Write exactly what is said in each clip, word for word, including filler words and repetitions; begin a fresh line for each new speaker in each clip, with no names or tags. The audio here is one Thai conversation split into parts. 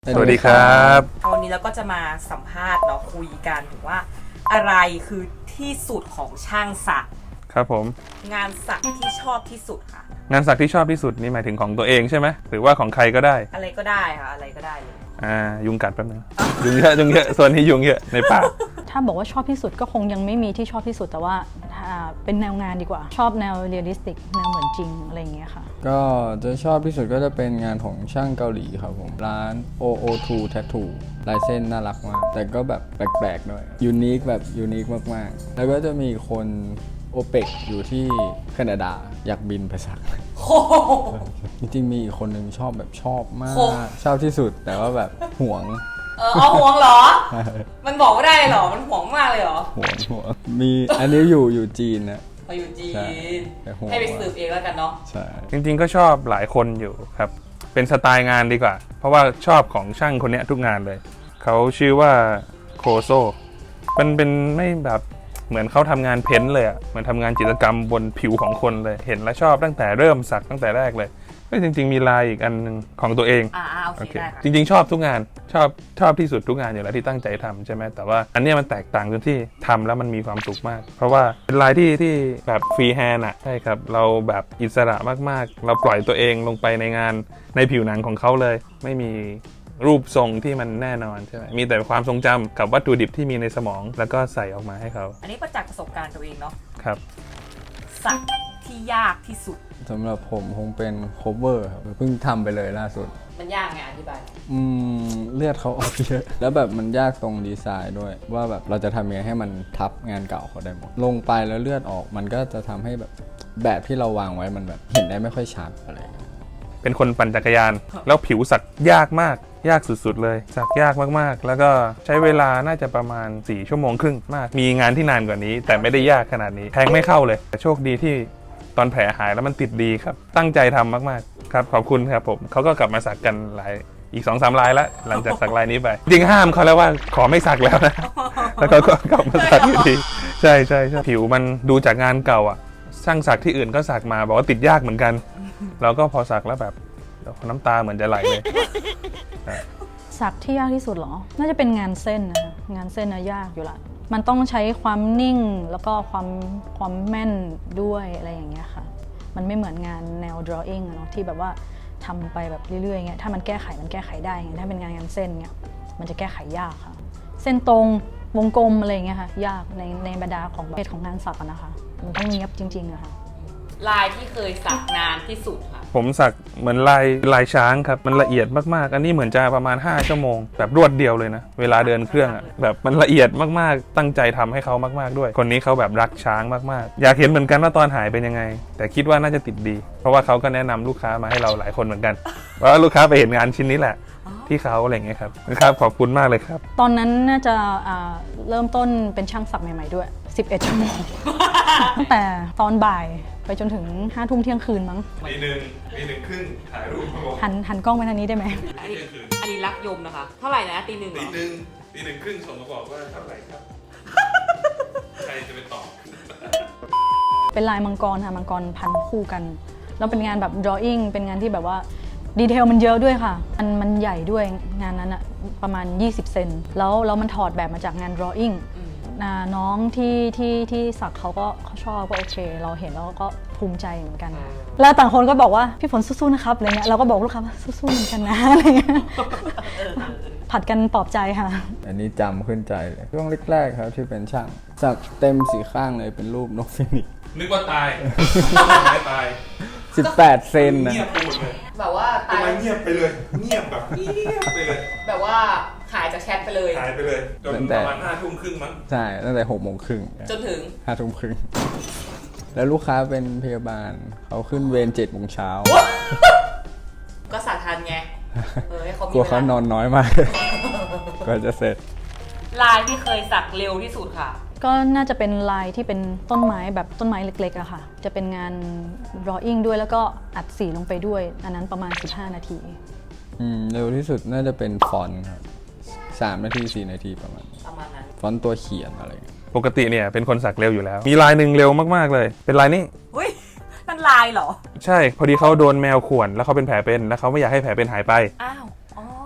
สวัสดีครับ
วันนี้เราก็จะมาสัมภาษณ์เนาะคุยกันถึงว่าอะไรคือที่สุดของช่างสัก
ครับผม
งานสักที่ชอบที่สุดค่ะ
งานสักที่ชอบที่สุดนี่หมายถึงของตัวเองใช่ไหมหรือว่าของใครก็ได้
อะไรก็ได้ค่ะอะไรก็ได้เลย
อ่ายุงกัดแป๊บนึงยุงเยอะยุงเยอะโซนนี้ยุงเยอะในป่า
ถ้าบอกว่าชอบที่สุดก็คงยังไม่มีที่ชอบที่สุดแต่ว่าเป็นแนวงานดีกว่าชอบแนวเรียลลิสติกแนวเหมือนจริงอะไรอย่างเงี้ยค่ะ
ก็จะชอบที่สุดก็จะเป็นงานของช่างเกาหลีครับผมร้าน โอ โอ ทู Tattoo ลายเส้นน่ารักมากแต่ก็แบบแปลกๆหน่อยยูนิคแบบยูนิคมากๆแล้วก็จะมีคนโอเปกอยู่ที่แคนาดาอยากบินไปสักจริงๆมีอีกคนนึงชอบแบบชอบมากชอบที่สุดแต่ว่าแบบห่วง
เออห่วงเหรอมันบอกไม่ได้เหรอมันห่วงมากเลยเหรอ
ห่วงห่วงมีอันนี้อยู่อยู่จีนนะ
เขาอยู่จีนให้ไปสืบเองแล้วกันเนาะ
ใช่
จริงๆก็ชอบหลายคนอยู่ครับเป็นสไตล์งานดีกว่าเพราะว่าชอบของช่างคนนี้ทุกงานเลยเขาชื่อว่าโคโซมันเป็นไม่แบบเหมือนเขาทำงานเพ้นท์เลยอ่ะเหมือนทำงานจิตรกรรมบนผิวของคนเลยเห็นและชอบตั้งแต่เริ่มสักตั้งแต่แรกเลยก็จริงๆมีลายอีกอันนึงของตัวเอง
อ่าโอเคได้ค่ะ
จริงๆชอบทุกงานชอบชอบที่สุดทุกงานอยู่แล้วที่ตั้งใจทำใช่ไหมแต่ว่าอันนี้มันแตกต่างตรงที่ทำแล้วมันมีความสุขมากเพราะว่าเป็นลายที่ที่แบบฟรีแฮนด์อ่ะใช่ครับเราแบบอิสระมากๆเราปล่อยตัวเองลงไปในงานในผิวหนังของเขาเลยไม่มีรูปทรงที่มันแน่นอนใช่ไหมมีแต่ความทรงจำกับวัตถุดิบที่มีในสมองแล้วก็ใส่ออกมาให้เขา
อันนี้ประจักษ์ประสบการณ์ตัวเองเนาะ
ครับ
สักที่ยากที่สุด
สำหรับผมคงเป็น cover ครับเพิ่งทำไปเลยล่าสุด
มันยากไงอธิบาย
อืมเลือดเขาออกเยอะแล้วแบบมันยากตรงดีไซน์ด้วยว่าแบบเราจะทำยังไงให้มันทับงานเก่าเขาได้หมดลงไปแล้วเลือดออกมันก็จะทำให้แบบแบบที่เราวางไว้มันแบบเห็นได้ไม่ค่อยชัดอะไร
เป็นคนปั่นจักรยานแล้วผิวสักยากมากยากสุดๆเลยสักยากมากๆแล้วก็ใช้เวลาน่าจะประมาณสี่ชั่วโมงครึ่งมากมีงานที่นานกว่านี้แต่ไม่ได้ยากขนาดนี้แทงไม่เข้าเลยแต่โชคดีที่ตอนแผลหายแล้วมันติดดีครับตั้งใจทำมากๆครับขอบคุณครับผมเขาก็กลับมาสักกันหลายอีก สองสาม ลายแล้วหลังจากสักลายนี้ไปจริงห้ามเขาแล้วว่าขอไม่สักแล้วนะแล้วเขาก็กลับมาสักอยู่ดีใช่ใช่ใช่ผิวมันดูจากงานเก่าอ่ะช่างสักที่อื่นก็สักมาบอกว่าติดยากเหมือนกันเราก็พอสักแล้วแบบน้ำตาเหมือนจะไหลเลย
สักที่ยากที่สุดเหรอน่าจะเป็นงานเส้นนะคะงานเส้นนะยากอยู่ละมันต้องใช้ความนิ่งแล้วก็ความความแม่นด้วยอะไรอย่างเงี้ยค่ะมันไม่เหมือนงานแนว drawing เนาะที่แบบว่าทำไปแบบเรื่อยๆเงี้ยถ้ามันแก้ไขมันแก้ไขได้ไงถ้าเป็นงานงานเส้นเงี้ยมันจะแก้ไขยากค่ะเส้นตรงวงกลมอะไรเงี้ยค่ะยากในในบรรดาของเพศของงานสักนะคะมันต้องเนียบจริงๆอะค่ะ
ลายที่เคยสักนานที่สุดค่ะ
ผมสักเหมือนลายลายช้างครับมันละเอียดมากๆอันนี้เหมือนจะประมาณห้าชั่วโมงแบบรวดเดียวเลยนะเวลาเดินเครื่องอ่ะแบบมันละเอียดมากๆตั้งใจทำให้เขามากๆด้วยคนนี้เขาแบบรักช้างมากๆอยากเห็นเหมือนกันว่าตอนหายเป็นยังไงแต่คิดว่าน่าจะติดดีเพราะว่าเขาก็แนะนำลูกค้ามาให้เราหลายคนเหมือนกันว่าลูกค้าไปเห็นงานชิ้นนี้แหละที่เขาอะไรอย่างเงี้ยครับนะครับขอบคุณมากเลยครับ
ตอนนั้นน่าจะเริ่มต้นเป็นช่างสักใหม่ๆด้วยสิบเอ็ดชั่วโมงตั้งแต่ตอนบ่ายไปจนถึงห้าทุ่มเที่ยงคืนมั้ง
ปีหนึ่งปีหนึ่งครึ่งถ่ายรูป
หันหันกล้องไปทางนี้ได้ไหม
อันนี้อันนี้รักยมนะคะเท่าไหร่นะตีหนึ่ง
ตีหนึ่งตีหนึ่งครึ่งส่งมาบอกว่าเท่าไหร่ครับใครจะไปตอบ
เป็นลายมังกรค่ะมังกรพันคู่กันแล้วเป็นงานแบบ drawing เป็นงานที่แบบว่าดีเทลมันเยอะด้วยค่ะมันมันใหญ่ด้วยงานนั้นอะประมาณยี่สิบเซนแล้วแล้วมันถอดแบบมาจากงาน drawingน้องที่ที่ที่สักเขาก็เขาชอบก็โอเคเราเห็นแล้วก็ภูมิใจเหมือนกันแล้วต่างคนก็บอกว่าพี่ฝนสู้ๆนะครับอะไรเงี้ยเราก็บอกลูกค้าว่าสู้ๆเหมือนกันนะอะไรเงี้ยผัดกันปลอบใจค่ะ
อันนี้จำขึ้นใจเลยช่วงแรกๆครับที่เป็นช่างสักเต็มสีข้างเลยเป็นรูปนกฟินิกซ์
นึกว่าตายไม่ตาย
สิบแปดเซนนะ
เงียบไปหมดเลย
แบบว่า
ตายเงียบไปเลยเงียบแบบเงียบไปเลย
แบบว่าหายจากแชทไปเลย
หายไปเลยจนประมาณห้าทุ่มครึ่งมั้ง
ใช่ตั้งแต่หกโมงครึ่ง
จนถึง
ห้าทุ่มครึ่งแล้วลูกค้าเป็นพยาบาลเขาขึ้นเวรเจ็ดโมงเช้า
ก็สักทันไงเออให้เขามี
กลัวเขานอนน้อยมากก็จะเสร็จ
ลายที่เคยสักเร็วที่สุดค่ะ
ก็น่าจะเป็นลายที่เป็นต้นไม้แบบต้นไม้เล็กๆอะค่ะจะเป็นงาน drawing ด้วยแล้วก็อัดสีลงไปด้วยอันนั้นประมาณสิบห้านาที
อืมเร็วที่สุดน่าจะเป็นฟอนต์ครับสามนาทีสี่นาทีประมาณ
ประมาณนั้น
ฟอนต์ตัวเขียนอะไร
ปกติเนี่ยเป็นคนสักเร็วอยู่แล้วมีลายหนึ่งเร็วมากๆเลยเป็นลายนี้
อุ้ยนั่นลายเหรอ
ใช่พอดีเขาโดนแมวข่วนแล้วเขาเป็นแผลเป็นแล้วเขาไม่อยากให้แผลเป็นหายไป
อ้าว
เ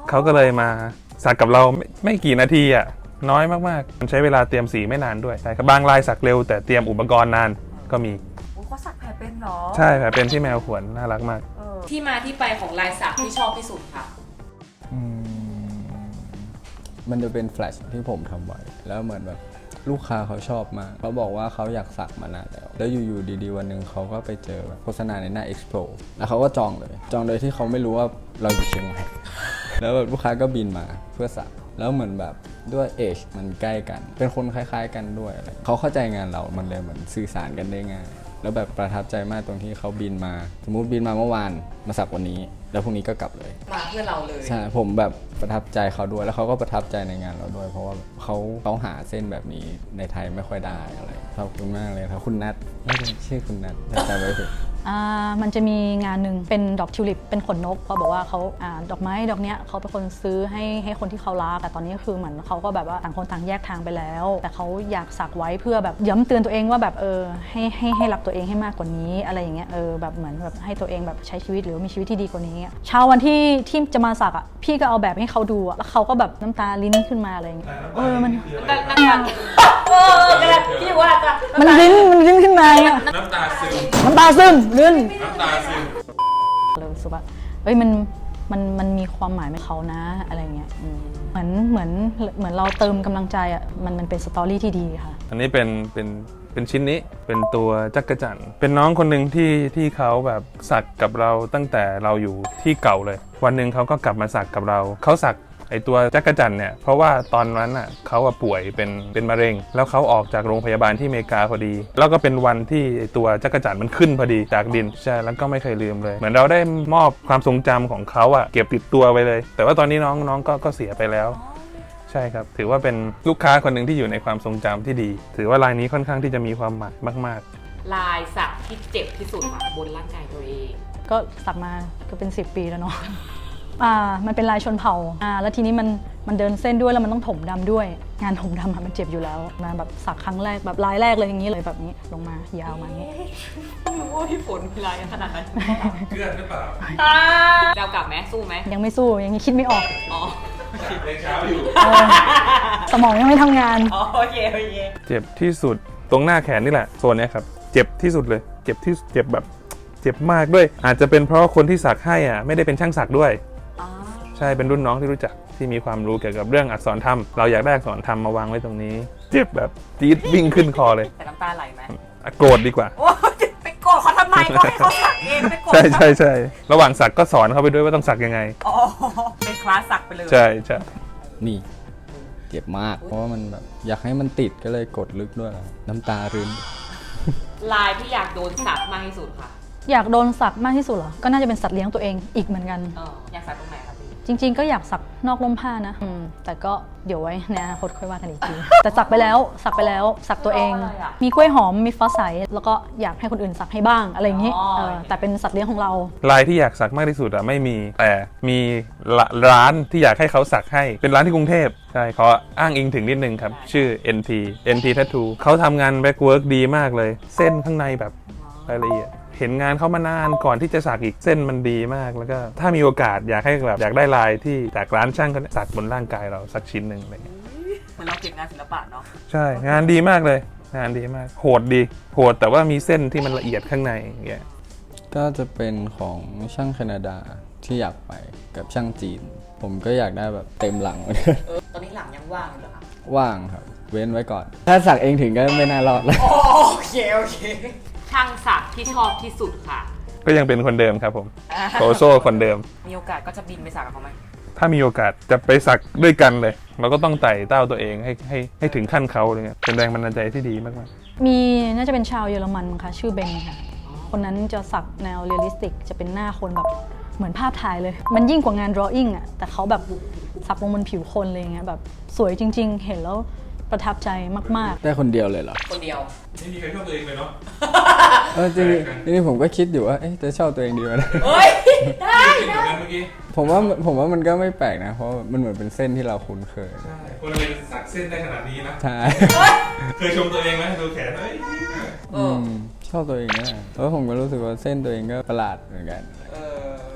เขาก็เลยมาสักกับเราไม่ไม่กี่นาทีอ่ะน้อยมากๆมันใช้เวลาเตรียมสีไม่นานด้วยใช่ครับบางลายสักเร็วแต่เตรียมอุปกรณ์นานก็มี
โอ้เขาสักแผลเป็นเหรอ
ใช่ครับเป็นที่แมวขวนน่ารักมาก
เออ
ที่มาที่ไปของลายสักที่ชอบที่สุดค่ะ
อืมมันจะเป็นแฟลชที่ผมทำไว้แล้วเหมือนแบบลูกค้าเขาชอบมากเขาบอกว่าเขาอยากสักมานานแล้วแล้วอยู่ๆดีๆวันหนึ่งเขาก็ไปเจอแบบโฆษณาในหน้า Expo แล้วเขาก็จองเลย จองโดยที่เขาไม่รู้ว่าเราอยู่เชียงใหม่ แล้วแบบลูกค้าก็บินมาเพื่อสักแล้วเหมือนแบบด้วยเอจมันใกล้กัน เป็นคนคล้ายๆกันด้วยอะไรเขาเข้าใจงานเรามันเลยเหมือนสื่อสารกันได้ง่ายแล้วแบบประทับใจมากตรงที่เขาบินมาสมมุติบินมาเมื่อวานมาสักวันนี้แล้วพรุ่งนี้ก็กลับเลย
มาเพื่อเราเลย
ใช่ผมแบบประทับใจเขาด้วยแล้วเขาก็ประทับใจในงานเราด้วย เพราะว่าเขาเขาหาเส้นแบบนี้ในไทยไม่ค่อยได้อะไรขอบคุณมากเลยครับคุณนัทไม่ใช่ชื่อคุณนัทแต่จำไว้เถอะ
อ่ามันจะมีงานหนึ่งเป็นดอกทิวลิปเป็นขนนกเขาบอกว่าเขาอ่าดอกไม้ดอกเนี้ยเขาเป็นคนซื้อให้ให้คนที่เขารักแต่ตอนนี้คือเหมือนเขาก็แบบว่าต่างคนต่างแยกทางไปแล้ว แต่เขาอยากสักไว้เพื่อแบบย้ำเตือนตัวเองว่าแบบเออให้ให้ให้รักตัวเองให้มากกว่านี้อะไรอย่างเงี้ยเออแบบเหมือนแบบให้ตัวเองแบบใช้ชีวิตหรือมีชีวิตที่ดีกว่านี้เช้าวันที่ที่จะมาสักอ่ะพี่ก็เอาแบบให้เขาดูอะแล้วเขาก็แบบน้ำตาลิ้นขึ้นมาอะไรอย่างเงี้ยเออมัน
นั่งนั่งกันเออกระดาษพี่ว่าจะ
มันลิ้นมันลิ้นขึ้นมาอะ
น้ำตาซึม
น้ำตาซึมลื่น
น้ำตาซึม
เลยรู้สึกว่าเอ้ยมันมันมันมีความหมายให้เขานะอะไรเงี้ยอืมเหมือนเหมือนเหมือนเราเติมกำลังใจอ่ะมันมันเป็นสตอรี่ที่ดีค่ะ
อันนี้เป็นเป็นเป็นชิ้นนี้เป็นตัวจักรจั่นเป็นน้องคนหนึ่งที่ที่เขาแบบสักกับเราตั้งแต่เราอยู่ที่เก่าเลย วันหนึ่งเขาก็กลับมาสักกับเราเขาสักไอตัวจักรจั่นเนี่ยเพราะว่าตอนนั้นอ่ะเขาอะป่วยเป็นเป็นมะเร็งแล้วเขาออกจากโรงพยาบาลที่อเมริกาพอดี แล้วก็เป็นวันที่ไอตัวจักรจั่นมันขึ้นพอดีจากดินใช่แล้วก็ไม่เคยลืมเลย เหมือนเราได้มอบความทรงจำของเขาอ่ะเก็บติดตัวไปเลย แต่ว่าตอนนี้น้องน้องก็ก็เสียไปแล้ว ใช่ครับถือว่าเป็นลูกค้าคนหนึ่งที่อยู่ในความทรงจำที่ดี ถือว่าลายนี้ค่อนข้างที่จะมีความหมายมาก
ลายสักที่เจ็บที่สุดค่ะบนร่างกายตัวเอง
ก็สักมาก็เป็นสิบปีแล้วเนาะ อ่ามันเป็นลายชนเผ่าอ่าแล้วทีนี้มันมันเดินเส้นด้วยแล้วมันต้องถมดำด้วย งานถมดำอะมันเจ็บอยู่แล้วมาแบบสักครั้งแรกแบบลายแรกเลยอย่างนี้เลยแบบนี้ลงมายาวมาอย่างนี้
ไม่รู้ว่าพี่ฝนมีลายขนาดนั้น
ๆเพื่อนหรือเปล่า
เรากลับไหมสู้ไหม
ยังไม่สู้ยังคิดไม่ออก
อ๋อ
เช้าอยู่
เออสมองยังไม่ทำงาน
อ๋อโอเคโอเค
เจ็บที่สุดตรงหน้าแขนนี่แหละโซนเนี้ยครับเจ็บที่สุดเลยเจ็บที่เจ็บแบบเจ็บมากด้วย อาจจะเป็นเพราะคนที่สักให้อ่ะไม่ได้เป็นช่างสักด้วย
อ๋อ
ใช่เป็นรุ่นน้องที่รู้จักที่มีความรู้เกี่ยวกับเรื่องอักษรธรรมเราอยากได้อักษรธรรมมาวางไว้ตรงนี้ เจ็บแบบจี๊ดวิ่งขึ้นคอเลย
แต่น้ำตาไหลไหม
อ่ะโกรธดีกว่า
โอ้ไปโกรธเขาทำไมก็ให้เขาสักเองไปโกรธ
ใช่ใช่ใช่ระหว่างสักก็สอนเขาไปด้วยว่าต้องสักยังไง
อ๋อเป็นคลาสสักไปเลย
ใช่ใช่
นี่เจ็บมากเพราะว่ามันแบบอยากให้มันติดก็เลยกดลึกด้วยน้ำตารื้น
ลายที่อยากโดนสักมากที่สุดค่ะ
อยากโดนสักมากที่สุดเหรอก็น่าจะเป็นสัตว์เลี้ยงตัวเองอีกเหมือนกัน
เอออยากสักตรงไหนครับพี่
จริงๆ ก็อยากสักนอกร่มผ้านะอืมแต่ก็เดี๋ยวไว้ในอนาคตค่อยว่ากันอีกที แต่สักไปแล้วสักไปแล้วสักตัวเอง
อะไรอะ
มีกล้วยหอมมีฟ้าใสแล้วก็อยากให้คนอื่นสักให้บ้างอะไรอย่างนี้
อ๋อ
เออแต่เป็นสัตว์เลี้ยงของเรา
ลายที่อยากสักมากที่สุดอะไม่มีแต่มีละร้านที่อยากให้เขาสักให้เป็นร้านที่กรุงเทพใช่เขาอ้างอิงถึงนิดนึงครับชื่อ เอ็น ที เอ็น ที Tattoo เขาทำงานแบ็กเวิร์กดีมากเลย เส้นข้างในแบบรายละเอียดเห็นงานเขามานานก่อนที่จะสักอีกเส้นมันดีมากแล้วก็ถ้ามีโอกาสอยากให้แบบอยากได้ลายที่จากร้านช่างเขาสักบนร่างกายเราสักชิ้นหนึ่งอะไรเงี้ย
เหมือนเราเก็บงานศิลปะเนาะ
ใช่งานดีมากเลยงานดีมากโหดดีโหดแต่ว่ามีเส้นที่มันละเอียดข้างในอย่างเงี้ย
ก็จะเป็นของช่างแคนาดาที่อยากไปกับช่างจีน ผมก็อยากได้แบบเต็มหลัง
เออตอนนี้หลังยังว่างอยู่เหรอคะ
ว่างครับ เว้นไว้ก่อน ถ้าสักเองถึงก็ไม่น่ารอดแล้ว
โอเคโอเคช่างสักที่ชอบที่สุดค่ะ
ก็ยังเป็นคนเดิมครับผมโตโซคนเดิม
มีโอกาสก็จะบินไปสักกับเขาไหม
ถ้ามีโอกาสจะไปสักด้วยกันเลย เราก็ต้องไต่เต้าตัวเองให้ให้ให้ถึงขั้นเขาเลยเนี่ยเป็นแรงบันดาลใจที่ดีมาก
มีน่าจะเป็นชาวเยอรมันมั้งค่ะชื่อเบนค่ะคนนั้นจะสักแนวเรียลลิสติกจะเป็นหน้าคนแบบเหมือนภาพถ่ายเลย มันยิ่งกว่างาน drawing อ่ะแต่เขาแบบสักลงบนผิวคนเลยเงี้ยแบบสวยจริง ๆ เห็นแล้วประทับใจมาก
ได้คนเดียวเลยเหรอ
คนเดียว
ๆไม่มีใครชอบตัวเองเลยเนาะ
เออจริงๆจริงๆผมก็คิดอยู่ว่าเอ๊ะจะชอบตัวเองดีไหมนะ
เฮ้ย ได้
คิดเหมือนกันเมื่อกี้
ผมว่าผมว่ามันก็ไม่แปลกนะ เพราะมันเหมือนเป็นเส้นที่เราคุ้นเคย
ใช่คนเราเป็นสักเส้นได้ขนาดนี้นะ
ใช่
เคยชมตัวเองไหมดูแขนเอ้ย
เอ
อื
อ
มชอบตัวเองนะเพราะผมก็รู้สึกว่าเส้นตัวเองก็ประหลาดเหมือนกัน
เออ
แต่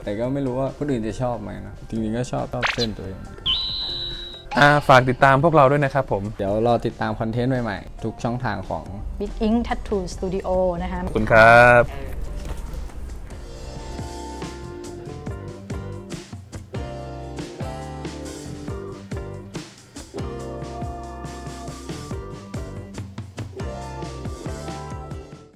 แต่ก็ไม่รู้ว่าคนอื่นจะชอบไหมนะจริงๆก็ชอบชอบเส้นตัวเอง
อ่าฝากติดตามพวกเราด้วยนะครับผม
เดี๋ยวรอติดตามคอนเทนต์ใหม่ๆ ทุกช่องทางของ
Big Ink Tattoo Studio นะคะ
ขอบคุณครับ
เออ